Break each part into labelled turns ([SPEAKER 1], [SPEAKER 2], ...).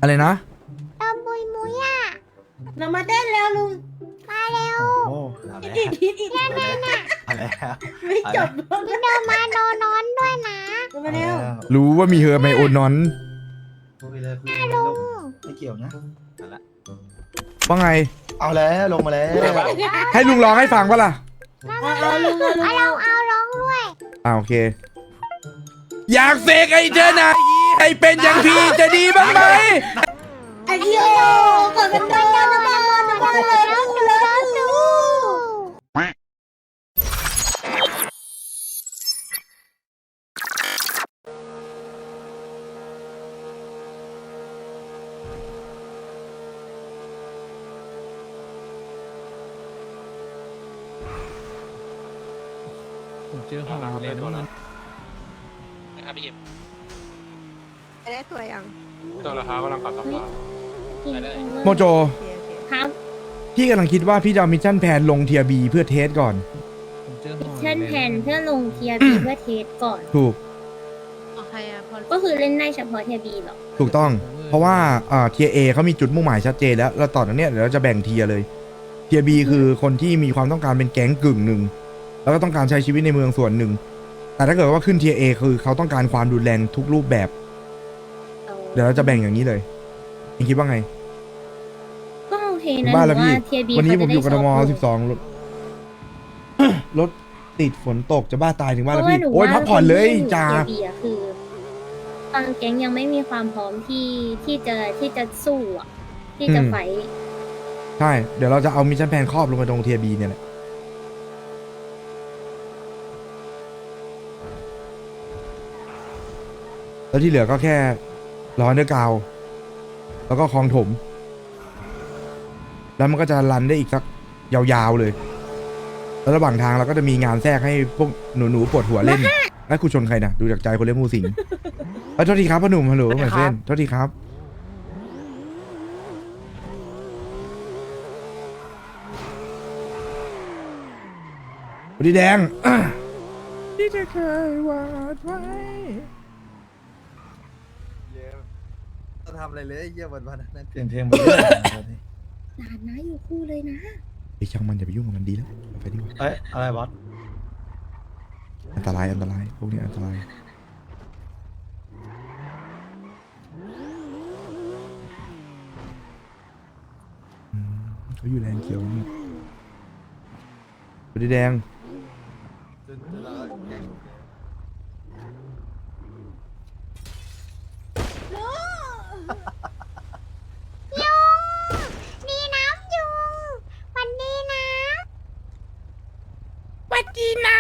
[SPEAKER 1] อะไรนะ
[SPEAKER 2] ตอมบุยมุยอ่ะ
[SPEAKER 3] เรามาเต้นแล้วลุง
[SPEAKER 2] มาเร็ว
[SPEAKER 4] โอ้เอาแล้ว
[SPEAKER 3] อีก
[SPEAKER 2] นั่นน่ะ
[SPEAKER 4] เอาแล้ว
[SPEAKER 3] ไม่จบ
[SPEAKER 2] พี่เดินมาโนนอนด้วยนะ
[SPEAKER 3] เรามาเร็ว
[SPEAKER 1] รู้ว่ามีเฮอร์ไมโอนอน
[SPEAKER 4] คุยเลยคุยเลย
[SPEAKER 2] ลุ
[SPEAKER 4] ลู
[SPEAKER 2] ง
[SPEAKER 4] กไม่เกี่ยวนะเอาละ
[SPEAKER 1] ว่าไง
[SPEAKER 4] เอาแล้วลงมาแล้ว
[SPEAKER 1] ให้ลุงร้องให้ฟังปะล่ะ
[SPEAKER 3] เอาลุงเอาลุง
[SPEAKER 2] เอาร้องด้วย
[SPEAKER 1] โอเค อยากเสกไอ้เจอหนาให้เป็นอย่างพี่จะดีบ้างไหม
[SPEAKER 3] ไอ้เหี้ยกดกันโดนนะบ้านนะบ้านแล้วแล้วดู
[SPEAKER 5] เจอข้างหลังเลยนะ
[SPEAKER 6] นะครับพี่เอ็ม
[SPEAKER 7] ได้ตัวยัง
[SPEAKER 5] ตัวราคากำลังกลับสภา
[SPEAKER 1] โมโจ
[SPEAKER 7] โอเคโอเค
[SPEAKER 2] ครับ
[SPEAKER 1] พี่กำลังคิดว่าพี่จะเอามิชชั่นแพนลงเทียบีเพื่อเทสก่อน
[SPEAKER 5] ผมเจอข้างหลัง
[SPEAKER 8] เช่นแผนเพื่อลงเทียบีเพื่อเทสก่อน
[SPEAKER 1] ถูก
[SPEAKER 7] โอเคอะพอ
[SPEAKER 8] ก็คือเล่นได้เฉพาะเทียบีหรอ
[SPEAKER 1] ถูกต้อง เพราะว่าเทียเอเขามีจุดมุ่งหมายชัดเจนแล้วแล้วต่อจากเนี้ยเดี๋ยวเราจะแบ่งเทียเลย เทียบีคือคนที่มีความต้องการเป็นแก๊งกึ่งหนึ่ง แล้วก็ต้องการใช้ชีวิตในเมืองส่วนหนึ่ง แต่ถ้าเกิดว่าขึ้นเทียเอคือเขาต้องการความรุนแรงทุกรูปแบบ เดี๋ยวเราจะแบ่งอย่างนี้เลยเองคิดว่าไง
[SPEAKER 8] ก็โอเค
[SPEAKER 1] ถึ
[SPEAKER 8] นะ
[SPEAKER 1] งบ้านแล้วพี่
[SPEAKER 8] เทียบี
[SPEAKER 1] วันนี้ผมอยู่กทม
[SPEAKER 8] 12
[SPEAKER 1] 12รถ รถติดฝนตกจะบ้าตายถึงบ้านแล้วพี่ โอ้ยพักผ่อนเลยจ้า
[SPEAKER 8] เทียบีอะคือบางแก๊งยังไม่มีความพร้อมที่จะสู้อะที่จะ
[SPEAKER 1] อืม
[SPEAKER 8] ไฟท์
[SPEAKER 1] ใช่ เดี๋ยวเราจะเอามิชชั่นแพนครอบลงไปตรงเทียบีเนี่ยแหละ แล้วที่เหลือก็แค่ร้อนด้วยกาว แล้วก็คลองถม แล้วมันก็จะรันได้อีกสักยาวๆเลย แล้วระหว่างทางเราก็จะมีงานแทรกให้พวกหนูๆปวดหัวเล่นไอ้กูชนใครนะดูจากใจคนเล่นมูสิงโทษทีครับพ่อหนุ่มฮัลโหลเหมือนเส้นโทษทีครับสวัสดีแดง ที่จะเคยวาดไว้
[SPEAKER 4] ต้องทำอะไรเลยเยี่ยวันนั้นเปลี่ยนเพลงหมดเลย
[SPEAKER 8] หลานนะอยู่คู่เลยนะ
[SPEAKER 1] ไอ้ช่างมันอย่าไปยุ่งกับมันดีแล้วเอาไปดีกว่า
[SPEAKER 4] เอ้ยอะไรบอส
[SPEAKER 1] อันตรายพวกนี้อันตรายเขาอยู่แรงเขียวนี่สวัสดีแดง
[SPEAKER 2] ยุงดีน้ำยุงวันดีนะ
[SPEAKER 1] วัดดีนะ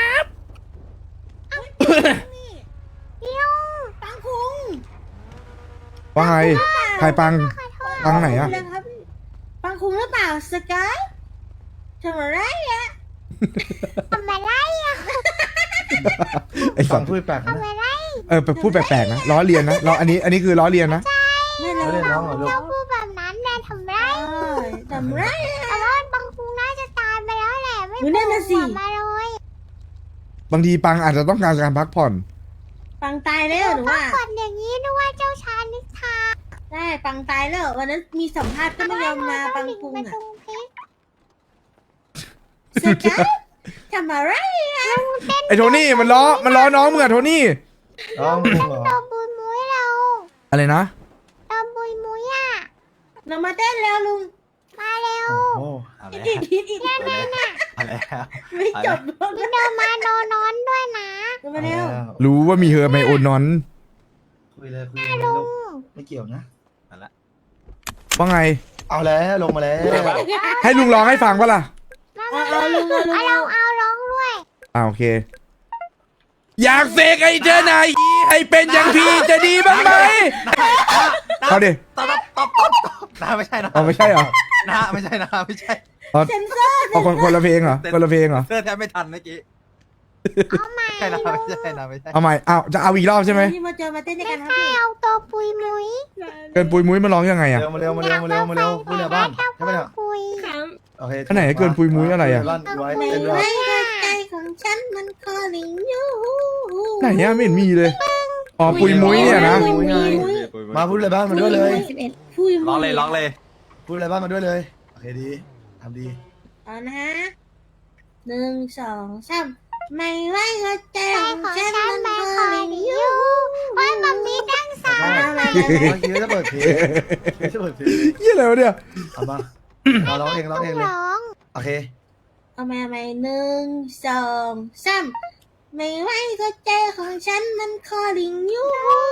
[SPEAKER 2] ยุง
[SPEAKER 3] ปังคุง
[SPEAKER 1] ว่าไงใครปังไหนอะ
[SPEAKER 3] ครับปังคุงหรือเปล่าสกายทำอะไรอะ
[SPEAKER 2] ทำอะไรอ่ะ
[SPEAKER 1] ไอ้สั
[SPEAKER 4] ฟั
[SPEAKER 1] ต
[SPEAKER 4] ง
[SPEAKER 1] ว์
[SPEAKER 4] พูดแปลกนะ
[SPEAKER 2] ทำอะไร
[SPEAKER 1] พูดแปลกๆนะล้อเลียนนะอันนี้คือล้อเลียนนะ
[SPEAKER 3] ไม่เล
[SPEAKER 4] ไม่
[SPEAKER 3] ย
[SPEAKER 4] ได้ร้องเหรอลูก
[SPEAKER 2] เราพูดแบบนั้นแน่ทำไร
[SPEAKER 3] ทำไร
[SPEAKER 2] แต่ว่าบางคุงน่าจะตายไปแล้วแหละไม่
[SPEAKER 3] หนูนั่นน่ะสิ
[SPEAKER 2] โผล่มาเลย
[SPEAKER 1] บางทีปังอาจจะต้องการการพักผ่อน
[SPEAKER 3] ปังตายแล้วหรือว่า
[SPEAKER 2] ก่อนอย่างนี้นึกว่าเจ้าชายนิทรา
[SPEAKER 3] ได้ปังตายแล้ววันนั้นมีสัมภาษณ์ก็ไม่ยอมมาปังคุง
[SPEAKER 2] มา
[SPEAKER 3] อะ
[SPEAKER 2] ตรงเพชร
[SPEAKER 3] สกายทำอะไรอะ
[SPEAKER 1] ไอ้โทนี่มันล้อน้องมึงอะโทนี่
[SPEAKER 4] ร้องเพลงเหรอ
[SPEAKER 2] ตอมบุยมุยเรา
[SPEAKER 1] อะไรนะ
[SPEAKER 2] ตอมบุยมุยอ่ะ
[SPEAKER 3] เรามาเต้นแล้วลุง
[SPEAKER 2] มาเร็ว
[SPEAKER 4] โอ้เอาแล้ว
[SPEAKER 3] อีก
[SPEAKER 4] เอาแล้ว
[SPEAKER 3] ไม่จบ
[SPEAKER 2] พี่เดินมาโนนอนด้วยนะ
[SPEAKER 3] เรามาเร็ว
[SPEAKER 1] รู้ว่ามีเฮอร์ไมโอนอน
[SPEAKER 4] คุยเลยคุยเลยลูกไม่เกี่ยวนะเอาละ
[SPEAKER 1] ว่าไง
[SPEAKER 4] เอาแล้วลงมาแล้ว
[SPEAKER 1] ให้ลุงร้องให้ฟังปะล่ะ
[SPEAKER 3] เอาลุงเอาลุง
[SPEAKER 2] เอาร้องด้วย
[SPEAKER 1] โอเค อยากเสกไอ้เจอหนาให้เป็นอย่างพี่จะดีบ้างไหมเอาดิ
[SPEAKER 4] ตบน้าไม่ใช่นะ
[SPEAKER 1] เอาไม่ใช่เหรอ
[SPEAKER 4] น้าไม่ใช่นะไม่ใช่
[SPEAKER 3] เซนเซอร์
[SPEAKER 1] เอาคนละเพลงเหรอคนละเพลงเหรอ
[SPEAKER 4] เสื้อแทบไม่ทันเมื่อกี้
[SPEAKER 2] เอาใหม่
[SPEAKER 4] ใช่นะไม่ใช่นะไม่ใช่
[SPEAKER 1] เอาใหม่เอาจะเอาอีกรอบใช่ไหม
[SPEAKER 3] ที่มาเจอมาเต้นด้วย
[SPEAKER 2] ไม่
[SPEAKER 3] กันครับ
[SPEAKER 2] ใช่
[SPEAKER 3] พี่
[SPEAKER 2] เอาตัวปุยมุย
[SPEAKER 1] เกินปุยมุ้ยมาร้องยังไงอะ
[SPEAKER 4] เร็วมาเร็วมาเร็วมาเร็วมาเร็วพูดในบ้านใช่ไหมเนี่ย
[SPEAKER 2] คุย
[SPEAKER 4] โอเค
[SPEAKER 1] อันไหนเกินปุยมุ้ยอะไรอะ
[SPEAKER 4] ลั่นไว้
[SPEAKER 3] ไม่
[SPEAKER 4] เต้นด้วย
[SPEAKER 3] ไม่ใจของฉันมันคอลิงอยู่
[SPEAKER 1] ไหนอะไม่เห็นมีเลยอ๋อปุยมุ้ยเนี่ยนะ
[SPEAKER 3] ปุยมุ้ย
[SPEAKER 4] มาพูดเลยบ้านมาด้วยเลย
[SPEAKER 3] พูพูด
[SPEAKER 4] ร้องเลยร้องเลยพูดอะไรบ้างมาด้วยเลยโอเคดีทำดี
[SPEAKER 3] เอานะ1 2 3ไม่ไหวก็ใจของฉันมันเคยอยู่
[SPEAKER 2] โอ้ยมัมมี่ดังสา
[SPEAKER 4] เมื่อกี้จะเปิดเพลงจะเปิดเพลง
[SPEAKER 1] เหี้ยอะไรวะเนี่ย
[SPEAKER 4] เอามาเอาร้องเองร้องเองเลย
[SPEAKER 2] ร้อง
[SPEAKER 4] โอเค
[SPEAKER 3] เอามาใหม่1 2 3ไม่ไหวก็ใจของฉันมันคอลิงอยู่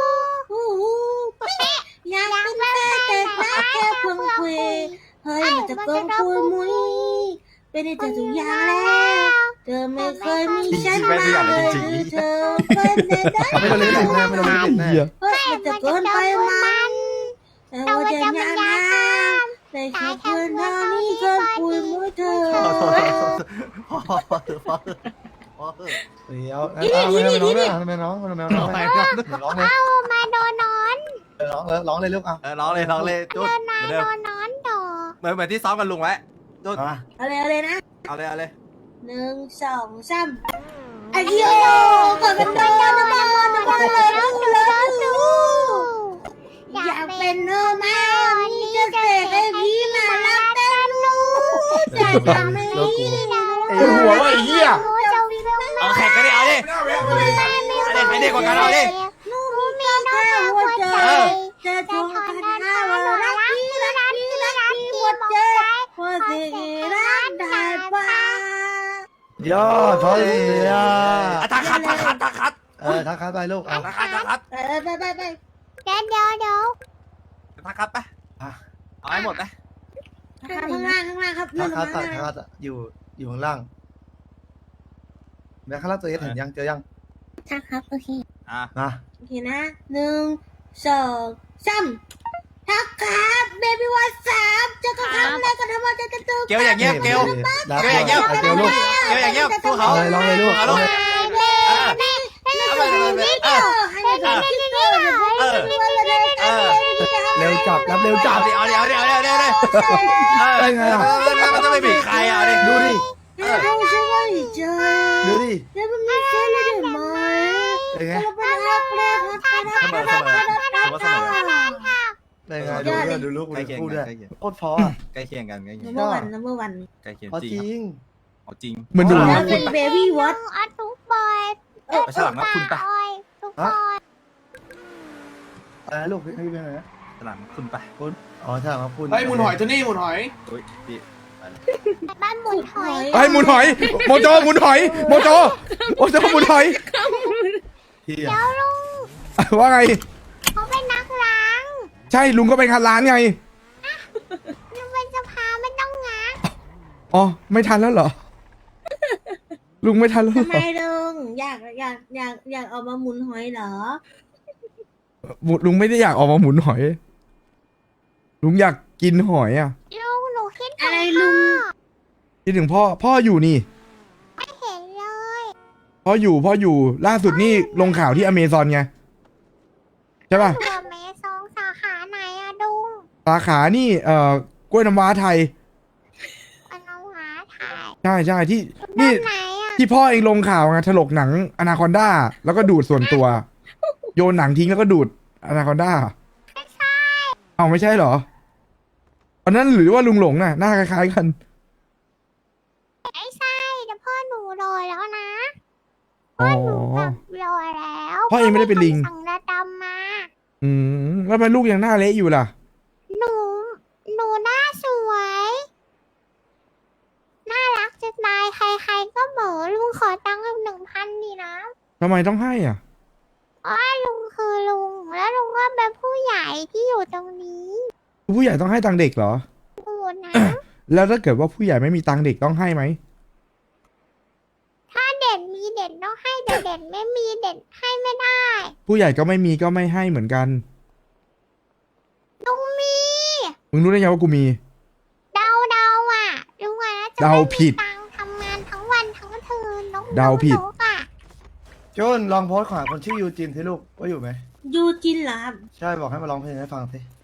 [SPEAKER 3] อยากเป็นแฟนแต่รักแค่เพิ่งคุยเฮ้ยมันจะเกินคุยมุ้ยเป็นได้เธอทุกอย่างแล้วเธอไม่เคยมีฉันมาเลยหรือเธอเป็นได้
[SPEAKER 4] ไม่ต้องเล่นแน่ไม่ต้องเล่นแน่
[SPEAKER 1] เหี้ย
[SPEAKER 3] เฮ้ยมันจะเกินไปมันแต่ว่าจะยังไงแต่แค่เพื่อนเท่านี้เคยคุยมุ้ยเธอ
[SPEAKER 4] เดี๋ยวไม่น้องร้องเลย
[SPEAKER 2] เอามาโดนนอน
[SPEAKER 4] ร้องเลยลูกเอาร้องเลยจุด
[SPEAKER 2] มาโดนนอนต่อ
[SPEAKER 4] เหมือนที่ซ้อมกันลุงไว้จุด
[SPEAKER 3] เอาเลยนะ
[SPEAKER 4] เอาเลย
[SPEAKER 3] 1 2 3ไอ้เหี้ยกดกันโดนนะบ้านนะบ้านเลยอยากเป็นเธอมากนี่จะเสกให้พี่มารักแต่ลูกจะทำให้พี่
[SPEAKER 1] ปวดหัวว่ะไอ้เหี้ย
[SPEAKER 4] เอาแข่งกันดิเอาดิใครเด็กกว่ากันเอาดิ
[SPEAKER 3] ลูกมีแค่หัวใจจะทนกันหาว่ารักพี่หมดใจพอสิรักได้ป่ะ
[SPEAKER 4] ยอดพอดีอ่ะทักคัดทักคัดไปลูกเอาทักคัด
[SPEAKER 3] ไป
[SPEAKER 2] เดี๋ยว
[SPEAKER 4] ทักคัดไปเอาให้หมดไป
[SPEAKER 3] ข้างล่างครับ
[SPEAKER 4] ทักคัดอยู่ข้างล่างแม่ข้างล่างตัวเอสเห็นยังเจอยัง
[SPEAKER 8] ค่ะครับโอเค
[SPEAKER 4] มา
[SPEAKER 3] โอเคนะ1 2 3ทักครับเบบี้วัน3จะก็ทำอะไรก็ทำว่าจะตึก
[SPEAKER 4] เกลอย่างเงี้ยเกลอย่างเงี้ยเกลลูกเกลอย่างเงี้ยสู้เขาร้องเลยลูกเอาลูก เร็วจับรับเร็วจับเอาดิได้ไงอ่ะมันจะไม่บีบใครอ่ะดิดูดิดูดิ
[SPEAKER 3] แล้วมันไม่ใช่เลยไหม
[SPEAKER 4] เป็นไง ได้ไงดูลูกดูด้วยโคตรพอใกล้เคียงกันใกล้เคียง
[SPEAKER 3] number one
[SPEAKER 4] ใกล้เคียงจริงจริง
[SPEAKER 1] เหมือนดู
[SPEAKER 3] แล้วเป็นเบบี้วอต
[SPEAKER 2] อัดทุกบอย
[SPEAKER 4] ไม่ใช่หลังนะคุณปะ
[SPEAKER 2] ทุกบอย
[SPEAKER 4] อะไรลูกให้พี่เป็นอะไรนะหลังคุณปะคุณอ๋อใช่ครับคุณ
[SPEAKER 5] เฮ้ยหมุนหอยตัวนี้หมุนหอย
[SPEAKER 4] อุ้ยพี่
[SPEAKER 2] บ้านหมุนหอย
[SPEAKER 1] ไอ้หมุนหอย โมโจหมุนหอย โมโจหมุนหอย
[SPEAKER 4] พี่
[SPEAKER 2] เดี๋ยวลุง
[SPEAKER 1] ว่าไง
[SPEAKER 2] เขาเป็นนักล้าง
[SPEAKER 1] ใช่ลุงก็เป็นคันร้านไง
[SPEAKER 2] ลุงเป็นสภาไม่ต้องง้าง
[SPEAKER 1] อ๋อไม่ทันแล้วเหรอ ลุงไม่ทันแล้วเหร
[SPEAKER 3] ทำไม
[SPEAKER 1] อ
[SPEAKER 3] ลุงอยากเอามาหมุนหอยเหรอ
[SPEAKER 1] ลุงไม่ได้อยากออกมาหมุนหอย ลุงอยากกินหอยอ่ะ
[SPEAKER 2] ลุงหนูคิดถึง
[SPEAKER 3] อะไรลุง
[SPEAKER 1] คิดถึงพ่ออยู่นี่
[SPEAKER 2] ไม่เห็นเลย
[SPEAKER 1] พ่ออยู่ล่าสุดนี่ลงข่าวที่อเมซอนไงใช่ป่ะ
[SPEAKER 2] ตัวเมซองสาขาไหนอะดุง
[SPEAKER 1] สาขานี่กล้วยน้ำว้าไทย
[SPEAKER 2] อันน้องหาถ่าย
[SPEAKER 1] ใช่ที่นี่
[SPEAKER 2] ไหนอะ
[SPEAKER 1] ที่พ่อเองลงข่าวไงถลกหนังอนาคอนด้าแล้วก็ดูดส่วนตัว โยนหนังทิ้งแล้วก็ดูดอนาคอนด้า
[SPEAKER 2] ไม่ใช่
[SPEAKER 1] เอาไม่ใช่เหรออันนั้นหรือว่าลุงหลงน่ะหน้าคล้ายๆกัน
[SPEAKER 2] ไม่ใช่แต่พ่อหนูรอแล้วนะ
[SPEAKER 1] อ๋อ
[SPEAKER 2] แบบรอแล้ว
[SPEAKER 1] พ่อเองไม่ได้เป็นลิง
[SPEAKER 2] สั่งระดำมา
[SPEAKER 1] แล้วทำไมลูกยังหน้าเละอยู่ล่ะ
[SPEAKER 2] หนูหน้าสวย น่ารักจะตายใครๆก็เหมอลุงขอตังค์1,000ดีนะ
[SPEAKER 1] ทำไมต้องให้อ่ะ
[SPEAKER 2] ว่าลุงคือลุงแล้วลุงก็เป็นผู้ใหญ่ที่อยู่ตรงนี้
[SPEAKER 1] ผู้ใหญ่ต้องให้ตังค์เด็กเหรอ
[SPEAKER 2] ดูนะ
[SPEAKER 1] แล้วถ้าเกิดว่าผู้ใหญ่ไม่มีตังค์เด็กต้องให้ไหม
[SPEAKER 2] ถ้าเด็กมีเด็กต้องให้แต่เด็กไม่มีเด็กให้ไม่ได้
[SPEAKER 1] ผู้ใหญ่ก็ไม่มีก็ไม่ให้เหมือนกัน
[SPEAKER 2] ลุงมี
[SPEAKER 1] มึงรู้ได้ไงว่ากูมี
[SPEAKER 2] เดาอ่ะลุงอะนะจะ
[SPEAKER 1] เดาผิด
[SPEAKER 2] ไม่มีตังค์ทำงานทั้งวันทั้งคืนน้อง
[SPEAKER 1] เดาผิด
[SPEAKER 2] นกอะ
[SPEAKER 4] จุนลองโพสต์ของคนชื่อยูจินสิลูกว่าอยู่ไหม
[SPEAKER 3] ยูจินเหรอครับ
[SPEAKER 4] ใช่บอกให้มาร้องเพลงให้ฟังสิ